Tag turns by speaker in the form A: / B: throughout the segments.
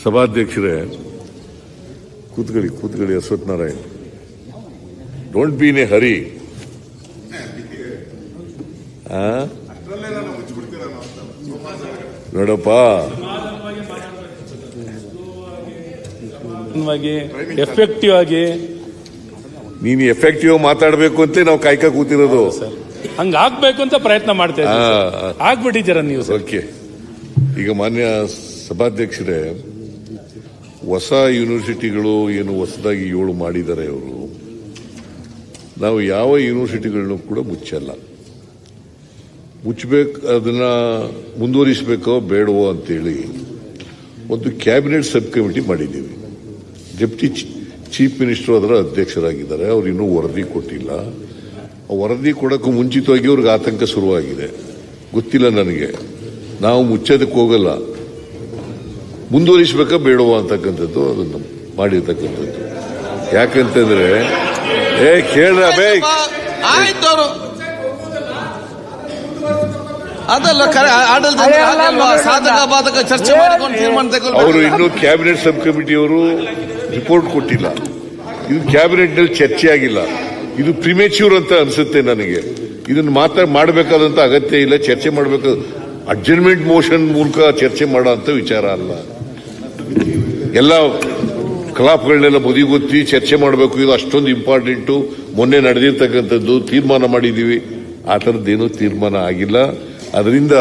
A: ಸಭಾಧ್ಯಕ್ಷರೇ, ಕೂತ್ಕೊಳ್ಳಿ Ashwath Narayan. Don't be in a hurry. ನೋಡಪ್ಪ,
B: ಎಫೆಕ್ಟಿವ್ ಆಗಿ
A: ನೀನು ಎಫೆಕ್ಟಿವ್ ಮಾತಾಡಬೇಕು ಅಂತ ನಾವು ಕಾಯ್ಕ ಕೂತಿರೋದು.
B: ಹಂಗ ಆಗ್ಬೇಕು ಅಂತ ಪ್ರಯತ್ನ ಮಾಡ್ತಾ ಇದ್ದೀವಿ. ಆಗ್ಬಿಟ್ಟಿದ್ದೀರ ನೀವು.
A: ಓಕೆ. ಈಗ ಮಾನ್ಯ ಸಭಾಧ್ಯಕ್ಷರೇ, ಹೊಸ ಯೂನಿವರ್ಸಿಟಿಗಳು ಏನು ಹೊಸದಾಗಿ 7 ಮಾಡಿದ್ದಾರೆ ಅವರು. ನಾವು ಯಾವ ಯೂನಿವರ್ಸಿಟಿಗಳನ್ನು ಕೂಡ ಮುಚ್ಚಲ್ಲ. ಮುಚ್ಚಬೇಕು, ಅದನ್ನ ಮುಂದುವರಿಸಬೇಕೋ ಬೇಡವೋ ಅಂತೇಳಿ ಒಂದು ಕ್ಯಾಬಿನೆಟ್ ಸಬ್ ಕಮಿಟಿ ಮಾಡಿದ್ದೀವಿ. ಡೆಪ್ಟಿ ಚೀಫ್ ಮಿನಿಸ್ಟರ್ ಅದರ ಅಧ್ಯಕ್ಷರಾಗಿದ್ದಾರೆ. ಅವ್ರು ಇನ್ನೂ ವರದಿ ಕೊಟ್ಟಿಲ್ಲ. ವರದಿ ಕೊಡೋಕ್ಕೂ ಮುಂಚಿತವಾಗಿ ಅವ್ರಿಗೆ ಆತಂಕ ಶುರುವಾಗಿದೆ. ಗೊತ್ತಿಲ್ಲ ನನಗೆ. ನಾವು ಮುಚ್ಚೋದಕ್ಕೆ ಹೋಗಲ್ಲ, ಮುಂದುವರಿಸಬೇಕಾ ಬೇಡವಾ ಅಂತಕ್ಕಂಥದ್ದು ಅದನ್ನು ಮಾಡಿರ್ತಕ್ಕಂಥದ್ದು. ಯಾಕಂತಂದ್ರೆ ಕೇಳ್ರ ಅವರು ಇನ್ನೂ ಕ್ಯಾಬಿನೆಟ್ ಸಬ್ ಕಮಿಟಿಯವರು ರಿಪೋರ್ಟ್ ಕೊಟ್ಟಿಲ್ಲ. ಇದು ಕ್ಯಾಬಿನೆಟ್ ನಲ್ಲಿ ಚರ್ಚೆ ಆಗಿಲ್ಲ. ಇದು ಪ್ರಿಮೇಚ್ಯೂರ್ ಅಂತ ಅನ್ಸುತ್ತೆ ನನಗೆ. ಇದನ್ನು ಮಾಡಬೇಕಾದಂತ ಅಗತ್ಯ ಇಲ್ಲ. ಚರ್ಚೆ ಮಾಡಬೇಕಾದ ಅಡ್ಜರ್ನ್ಮೆಂಟ್ ಮೋಷನ್ ಮೂಲಕ ಚರ್ಚೆ ಮಾಡೋ ವಿಚಾರ ಅಲ್ಲ. ಎಲ್ಲ ಕಲಾಪಗಳನ್ನೆಲ್ಲ ಬದಿಗೊತ್ತಿ ಚರ್ಚೆ ಮಾಡಬೇಕು. ಇದು ಅಷ್ಟೊಂದು ಇಂಪಾರ್ಟೆಂಟು. ಮೊನ್ನೆ ನಡೆದಿರ್ತಕ್ಕಂಥದ್ದು ತೀರ್ಮಾನ ಮಾಡಿದ್ದೀವಿ. ಆ ಥರದ್ದೇನೂ ತೀರ್ಮಾನ ಆಗಿಲ್ಲ. ಅದರಿಂದ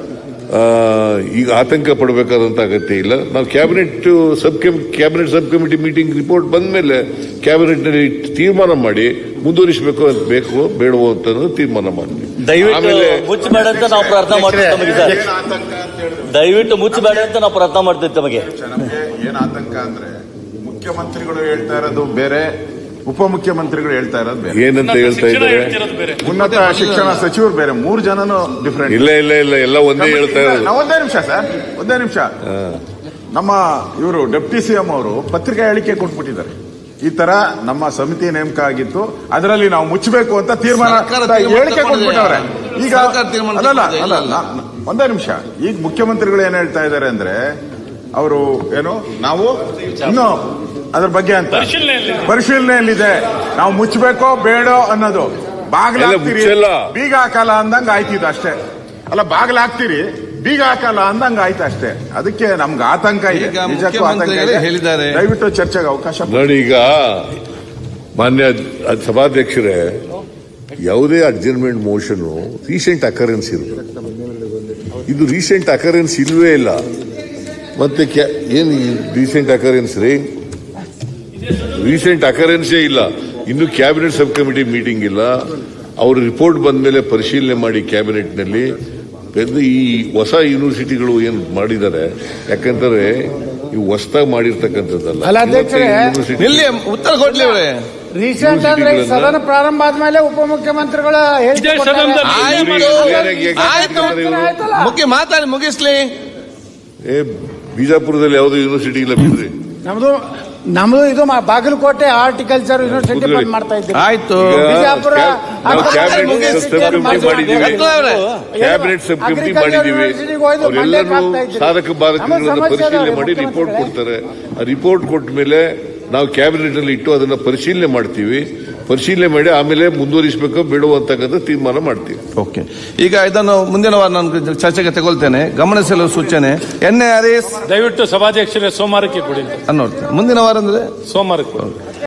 A: ಈಗ ಆತಂಕ ಪಡಬೇಕಾದಂತ ಅಗತ್ಯ ಇಲ್ಲ. ನಾವು cabinet sub committee meeting report ಬಂದ ಮೇಲೆ ಕ್ಯಾಬಿನೆಟ್ ನಲ್ಲಿ ತೀರ್ಮಾನ ಮಾಡಿ ಮುಂದುವರಿಸಬೇಕು ಅಂತ ಬೇಕೋ ಬೇಡವೋ ಅಂತ ತೀರ್ಮಾನ ಮಾಡ್ತೀವಿ.
C: ಆಮೇಲೆ ಮುಚ್ಚಬೇಡ ಅಂತ ನಾವು ಪ್ರಾರ್ಥನೆ ಮಾಡ್ತೀವಿ. ದಯವಿಟ್ಟು ಮುಚ್ಚಬೇಡ ಅಂತ ನಾವು ಪ್ರಾರ್ಥನೆ ಮಾಡ್ತೀವಿ. ತಮಗೆ
D: ಏನ್ ಆತಂಕ ಅಂದ್ರೆ ಮುಖ್ಯಮಂತ್ರಿಗಳು ಹೇಳ್ತಾ ಇರೋದು ಬೇರೆ, ಉಪಮುಖ್ಯಮಂತ್ರಿಗಳು ಹೇಳ್ತಾ ಇರೋದು ಬೇರೆ.
A: ಏನಂತ ಹೇಳ್ತಾ ಇದ್ದಾರೆ?
D: ಉನ್ನತ ಶಿಕ್ಷಣ ಸಚಿವರು ಬೇರೆ. 3 ಜನನು ಡಿಫರೆಂಟ್.
A: ಇಲ್ಲ ಎಲ್ಲ ಒಂದೇ ಹೇಳ್ತಾ ಇರೋದು.
D: ಒಂದೇ ನಿಮಿಷ. ನಮ್ಮ ಇವರು ಡೆಪ್ಟಿ ಸಿಎಂ ಅವರು ಪತ್ರಿಕಾ ಹೇಳಿಕೆ ಕೊಟ್ಬಿಟ್ಟಿದ್ದಾರೆ. ಈ ತರ ನಮ್ಮ ಸಮಿತಿ ನೇಮಕ ಆಗಿತ್ತು, ಅದರಲ್ಲಿ ನಾವು ಮುಚ್ಚಬೇಕು ಅಂತ ತೀರ್ಮಾನ ಹೇಳಿಕೆ ಕೊಟ್ಬಿಟ್ಟವ್ರೆ. ಈಗ ಅಲ್ಲ, ಒಂದೇ ನಿಮಿಷ. ಈಗ ಮುಖ್ಯಮಂತ್ರಿಗಳು ಏನ್ ಹೇಳ್ತಾ ಇದ್ದಾರೆ ಅಂದ್ರೆ, ಅವರು ಏನು ನಾವು ಇನ್ನು ಅದ್ರ ಬಗ್ಗೆ ಅಂತ ಪರಿಶೀಲನೆಯಲ್ಲಿದೆ, ನಾವು ಮುಚ್ಚಬೇಕೋ ಬೇಡೋ ಅನ್ನೋದು. ಬಾಗ್ಲಾಗ್ತೀರಿ, ಬೀಗ ಹಾಕಲ್ಲ ಅಂದಂಗ ಆಯ್ತಿದ್ದು ಅಷ್ಟೇ. ಅಲ್ಲ, ಬಾಗ್ಲಾಗ್ತೀರಿ, ಬೀಗ ಹಾಕಲ್ಲ ಅಂದಂಗ ಆಯ್ತು ಅಷ್ಟೇ. ಅದಕ್ಕೆ ನಮ್ಗೆ ಆತಂಕ ಇದೆ, ನಿಜಕ್ಕೂ ಆತಂಕ ಇದೆ. ಹೇಳಿದ್ದಾರೆ. ದಯವಿಟ್ಟು ಚರ್ಚೆಗೆ ಅವಕಾಶ
A: ನೋಡಿ. ಈಗ ಮಾನ್ಯ ಸಭಾಧ್ಯಕ್ಷರೇ, ಯಾವುದೇ ಅಡ್ಜರ್ನ್ಮೆಂಟ್ ಮೋಷನ್ ರೀಸೆಂಟ್ ಅಕರೆನ್ಸ್ ಇರಬೇಕು. ಇದು ರೀಸೆಂಟ್ ಅಕರೆನ್ಸ್ ಇಲ್ವೇ ಇಲ್ಲ. ಮತ್ತೆ ಏನು ರೀಸೆಂಟ್ ಅಕರೆನ್ಸ್ ರೀ? ರೀಸೆಂಟ್ ಅಕರೆನ್ಸೇ ಇಲ್ಲ. ಇನ್ನು ಕ್ಯಾಬಿನೆಟ್ ಸಬ್ ಕಮಿಟಿ ಮೀಟಿಂಗ್ ಇಲ್ಲ. ಅವರು ರಿಪೋರ್ಟ್ ಬಂದ ಮೇಲೆ ಪರಿಶೀಲನೆ ಮಾಡಿ ಕ್ಯಾಬಿನೆಟ್ ನಲ್ಲಿ ಈ ಹೊಸ ಯೂನಿವರ್ಸಿಟಿಗಳು ಏನ್ ಮಾಡಿದ್ದಾರೆ. ಯಾಕಂದ್ರೆ ಇವು ಹೊಸದಾಗಿ ಮಾಡಿರ್ತಕ್ಕಂಥದ್ದಲ್ಲ.
C: ಉತ್ತರ ಕೊಡ್ಲಿ.
E: ರೀಸೆಂಟ್ ಅಂದ್ರೆ ಸದನ ಪ್ರಾರಂಭ ಆದ್ಮೇಲೆ ಉಪಮುಖ್ಯಮಂತ್ರಿಗಳ
C: ಮುಖ್ಯ ಮಾತಾಡಿ ಮುಗಿಸ್ಲಿ.
A: ಬಿಜಾಪುರದಲ್ಲಿ ಯಾವುದೋ ಯೂನಿವರ್ಸಿಟಿ ಇಲ್ಲ ಬಿಡ್ರಿ.
E: ನಮ್ದು ಇದು ಬಾಗಲಕೋಟೆ ಹಾರ್ಟಿಕಲ್ಚರ್ ಯೂನಿವರ್ಸಿಟಿ ಬಂದ್ ಮಾಡ್ತಾ ಇದ್ದೀವಿ.
C: ಆಯ್ತು.
E: ಬಿಜಾಪುರ
A: ಕ್ಯಾಬಿನೆಟ್ ಸಬ್ ಕಮಿಟಿ ಮಾಡಿದೀವಿ. ಅವರೆಲ್ಲರೂ ಸಾಧಕ ಬಾಧಕಗಳನ್ನು ಪರಿಶೀಲನೆ ಮಾಡಿ ರಿಪೋರ್ಟ್ ಕೊಡ್ತಾರೆ. ಆ ರಿಪೋರ್ಟ್ ಕೊಟ್ಟ ಮೇಲೆ ನಾವು ಕ್ಯಾಬಿನೆಟ್ ನಲ್ಲಿ ಇಟ್ಟು ಅದನ್ನ ಪರಿಶೀಲನೆ ಮಾಡ್ತೀವಿ. ಪರಿಶೀಲನೆ ಮಾಡಿ ಆಮೇಲೆ ಮುಂದುವರಿಸಬೇಕೋ ಬೇಡವೋ ಅಂತಕ್ಕಂಥ ತೀರ್ಮಾನ ಮಾಡ್ತೀವಿ.
C: ಓಕೆ. ಈಗ ಇದನ್ನು ಮುಂದಿನ ವಾರ ನಾನು ಚರ್ಚೆಗೆ ತಗೊಳ್ತೇನೆ. ಗಮನಿಸಲು ಸೂಚನೆ. NARS
B: ದಯವಿಟ್ಟು ಸಭಾಧ್ಯಕ್ಷರೇ ಸೋಮವಾರಕ್ಕೆ ಕೊಡಿ.
C: ಮುಂದಿನ ವಾರ ಅಂದ್ರೆ
B: ಸೋಮವಾರಕ್ಕೆ.